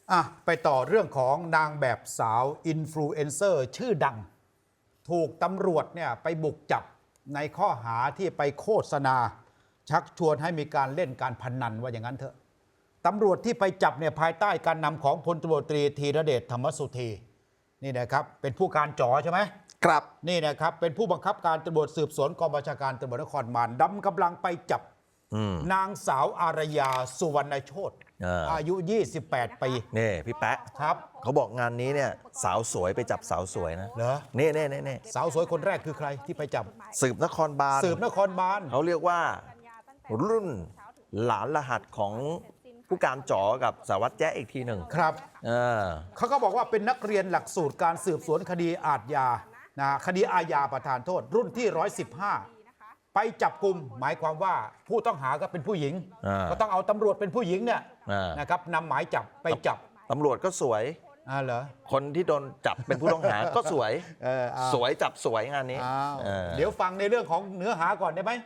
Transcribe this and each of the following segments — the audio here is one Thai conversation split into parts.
ไปต่อเรื่องของนางแบบสาวอินฟลูเอนเซอร์ชื่อดังถูกตำรวจเนี่ยไปบุกจับในข้อหาที่ไปโฆษณาชักชวนให้มีการเล่นการพนันว่าอย่างนั้นเถอะตำรวจที่ไปจับเนี่ยภายใต้การนำของพลตำรวจตรีธีรเดชธรรมสุธีนี่นะครับเป็นผู้การจ๋อใช่ไหมครับนี่นะครับเป็นผู้บังคับการตำรวจสืบสวนกองบัญชาการตำรวจนครบาลดำกำลังไปจับนางสาวอารยาสุวรรณโชติอายุ28 ปีนี่พี่แป๊ะครับเขาบอกงานนี้เนี่ยสาวสวยไปจับสาวสวยนะเหรอนี่สาวสวยคนแรกคือใครที่ไปจับสืบนครบาลเขาเรียกว่ารุ่นหลานรหัสของผู้การจ๋อกับสารวัตรแจ๊อีกทีหนึ่งครับเขาก็บอกว่าเป็นนักเรียนหลักสูตรการสืบสวนคดีคดีอาญาประทานโทษรุ่นที่115ไปจับกลุ่มหมายความว่าผู้ต้องหาก็เป็นผู้หญิงก็ต้องเอาตำรวจเป็นผู้หญิงเนี่ยนะครับนำหมายจับไปจับตำรวจก็สวยเหรอคนที่โดนจับเป็นผู้ต้องหาก็สวยสวยจับสวยงานนี้เดี๋ยวฟังในเรื่องของเนื้อหาก่อนได้ไหม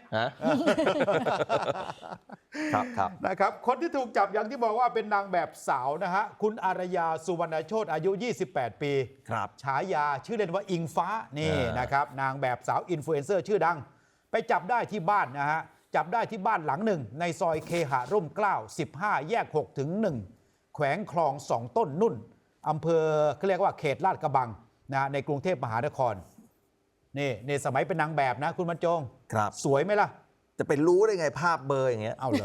ครับนะครับคนที่ถูกจับอย่างที่บอกว่าเป็นนางแบบสาวนะฮะคุณอารยาสุวรรณโชติอายุ28 ปีฉายาชื่อเล่นว่าอิงฟ้านี่นะครับนางแบบสาวอินฟลูเอนเซอร์ชื่อดังไปจับได้ที่บ้านนะฮะจับได้ที่บ้านหลังหนึ่งในซอยเคหะร่มเกล้า15แยก6ถึง1แขวงคลอง2ต้นนุ่นอำเภอเขาเรียกว่าเขตลาดกระบังนะในกรุงเทพมหานครนี่ในสมัยเป็นนางแบบนะคุณบรรจงสวยไหมล่ะจะเป็นรู้ได้ไงภาพเบอร์อย่างเงี้ยเอาเหรอ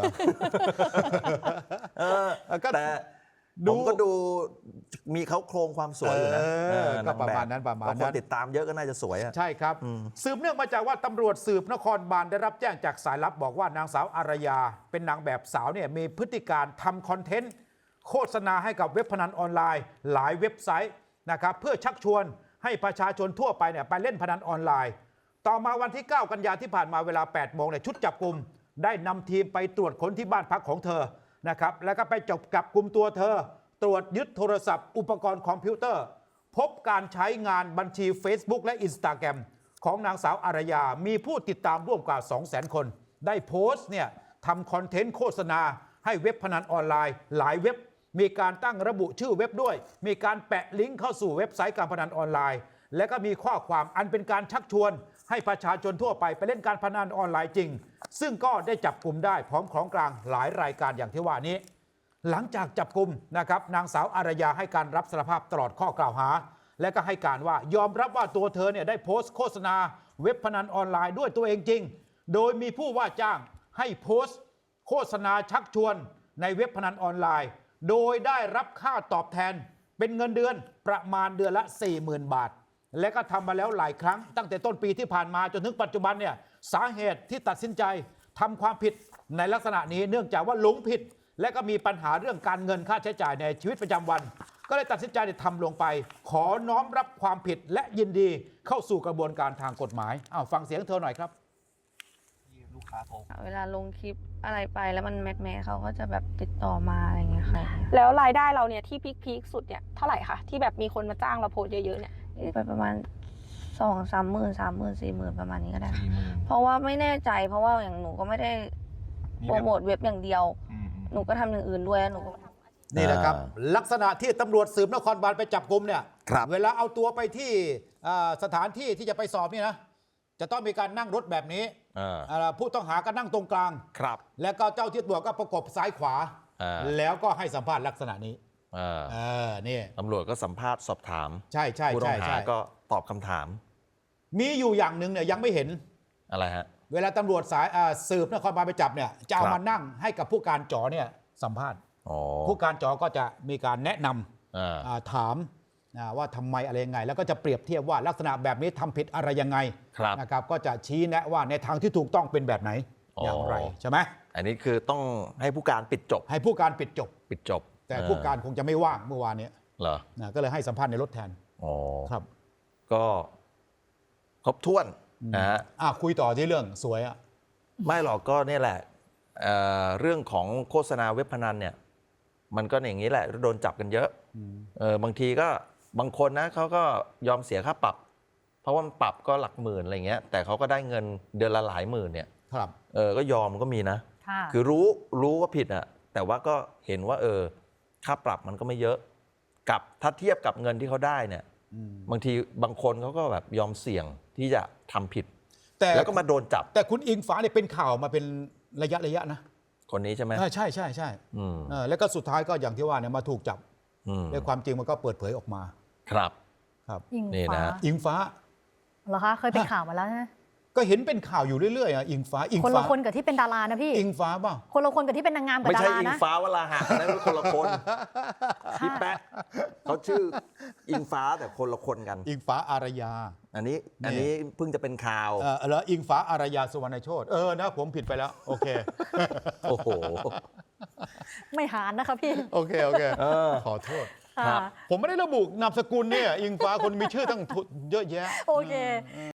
แต่ผมก็ดูมีเขาโครงความสวยอยู่นะก็ประมาณนั้นคนติดตามเยอะก็น่าจะสวยใช่ครับสืบเนื่องมาจากว่าตำรวจสืบนครบาลได้รับแจ้งจากสายลับบอกว่านางสาวอารยาเป็นนางแบบสาวเนี่ยมีพฤติการทำคอนเทนต์โฆษณาให้กับเว็บพนันออนไลน์หลายเว็บไซต์นะครับเพื่อชักชวนให้ประชาชนทั่วไปเนี่ยไปเล่นพนันออนไลน์ต่อมาวันที่9กันยายนที่ผ่านมาเวลา8 โมงเนี่ยชุดจับกุมได้นำทีมไปตรวจค้นที่บ้านพักของเธอนะครับแล้วก็ไปจับกุมตัวเธอตรวจยึดโทรศัพท์อุปกรณ์คอมพิวเตอร์พบการใช้งานบัญชี Facebook และ Instagram ของนางสาวอารยามีผู้ติดตามร่วมกว่า 200,000 คนได้โพสต์เนี่ยทำคอนเทนต์โฆษณาให้เว็บพนันออนไลน์หลายเว็บมีการตั้งระบุชื่อเว็บด้วยมีการแปะลิงก์เข้าสู่เว็บไซต์การพนันออนไลน์และก็มีข้อความอันเป็นการชักชวนให้ประชาชนทั่วไปเล่นการพนันออนไลน์จริงซึ่งก็ได้จับกลุ่มได้พร้อมของกลางหลายรายการอย่างที่ว่านี้หลังจากจับกลุ่มนะครับนางสาวอารยาให้การรับสารภาพตลอดข้อกล่าวหาและก็ให้การว่ายอมรับว่าตัวเธอเนี่ยได้โพสต์โฆษณาเว็บพนันออนไลน์ด้วยตัวเองจริงโดยมีผู้ว่าจ้างให้โพสต์โฆษณาชักชวนในเว็บพนันออนไลน์โดยได้รับค่าตอบแทนเป็นเงินเดือนประมาณเดือนละ 40,000 บาทและก็ทำมาแล้วหลายครั้งตั้งแต่ต้นปีที่ผ่านมาจนถึงปัจจุบันเนี่ยสาเหตุที่ตัดสินใจทำความผิดในลักษณะนี้เนื่องจากว่าหลงผิดและก็มีปัญหาเรื่องการเงินค่าใช้จ่ายในชีวิตประจำวันก็เลยตัดสินใจทำลงไปขอน้อมรับความผิดและยินดีเข้าสู่กระบวนการทางกฎหมายฟังเสียงเธอหน่อยครับเวลาลงคลิปอะไรไปแล้วมันแมสเขาก็จะแบบติดต่อมาอะไรเงี้ยค่ะแล้วรายได้เราเนี่ยที่พีคสุดเนี่ยเท่าไหร่คะที่แบบมีคนมาจ้างเราโพสเยอะๆเนี่ยไปประมาณ2-3 หมื่น3 หมื่น4 หมื่นประมาณนี้ก็ได้เพราะว่าไม่แน่ใจเพราะว่าอย่างหนูก็ไม่ได้โปรโมทเว็บอย่างเดียวหนูก็ทำอย่างอื่นด้วยหนูนี่แหละครับลักษณะที่ตำรวจสืบนครบาลไปจับกุมเนี่ยเวลาเอาตัวไปที่สถานที่ที่จะไปสอบนี่นะจะต้องมีการนั่งรถแบบนี้ผู้ต้องหาก็นั่งตรงกลางแล้วก็เจ้าที่ตำรวจก็ประกบซ้ายขวาแล้วก็ให้สัมภาษณ์ลักษณะนี้นี่ตำรวจก็สัมภาษณ์สอบถามใช่ผู้ต้องหาก็ตอบคำถามมีอยู่อย่างหนึ่งเนี่ยยังไม่เห็นอะไรฮะเวลาตำรวจสายสืบนครบาลไปจับเนี่ยจะเอามานั่งให้กับผู้การจ๋อเนี่ยสัมภาษณ์ผู้การจ๋อก็จะมีการแนะนำถามว่าทำไมอะไรยังไงแล้วก็จะเปรียบเทียบว่าลักษณะแบบนี้ทำผิดอะไรยังไงนะครับก็จะชี้แนะว่าในทางที่ถูกต้องเป็นแบบไหนอย่างไรใช่ไหมอันนี้คือต้องให้ผู้การปิดจบให้ผู้การปิดจบแต่ผู้การคงจะไม่ว่างเมื่อวานนี้เหรอก็เลยให้สัมภาษณ์ในรถแทนครับก็ครบถ้วนคุยต่อที่เรื่องสวยไม่หรอกก็นี่แหละเรื่องของโฆษณาเว็บพนันเนี่ยมันก็อย่างนี้แหละโดนจับกันเยอะบางทีก็บางคนนะเขาก็ยอมเสียค่าปรับเพราะว่ามันปรับก็หลักหมื่นอะไรเงี้ยแต่เขาก็ได้เงินเดือนละหลายหมื่นเนี่ยก็ยอมก็มีนะคือรู้ว่าผิดแต่ว่าก็เห็นว่าค่าปรับมันก็ไม่เยอะกับถ้าเทียบกับเงินที่เขาได้เนี่ยบางทีบางคนเขาก็แบบยอมเสี่ยงที่จะทำผิดแต่แล้วก็มาโดนจับแต่คุณอิงฟ้าเนี่ยเป็นข่าวมาเป็นระยะนะคนนี้ใช่ไหมใช่อืมแล้วก็สุดท้ายก็อย่างที่ว่าเนี่ยมาถูกจับอืมในความจริงมันก็เปิดเผยออกมาครับครับอิงนี่ฟ้านะอิงฟ้าเหรอคะเคยเป็นข่าวมาแล้วนะก็เห็นเป็นข่าวอยู่เรื่อยๆอ่ะอิงฟ้าคนละคนกับที่เป็นดารานะพี่อิงฟ้าเปล่าคนละคนกับที่เป็นนางงามกับไม่ดาใช่ราอิงนะฟ้าวราหะนั่นเป็นคนละคนพี่แป๊ะเขาชื่ออิงฟ้าแต่คนละคนกันอิงฟ้าอารยาอันนี้เพิ่งจะเป็นข่าวแล้วอิงฟ้าอารยาสุวรรณโชตินะผมผิดไปแล้วโอเคโอ้โหไม่หานนะคะพี่โอเคขอโทษครับค่ะผมไม่ได้ระบุนามสกุลเนี่ยอิงฟ้าคนมีชื่อตั้งเยอะแยะโอเค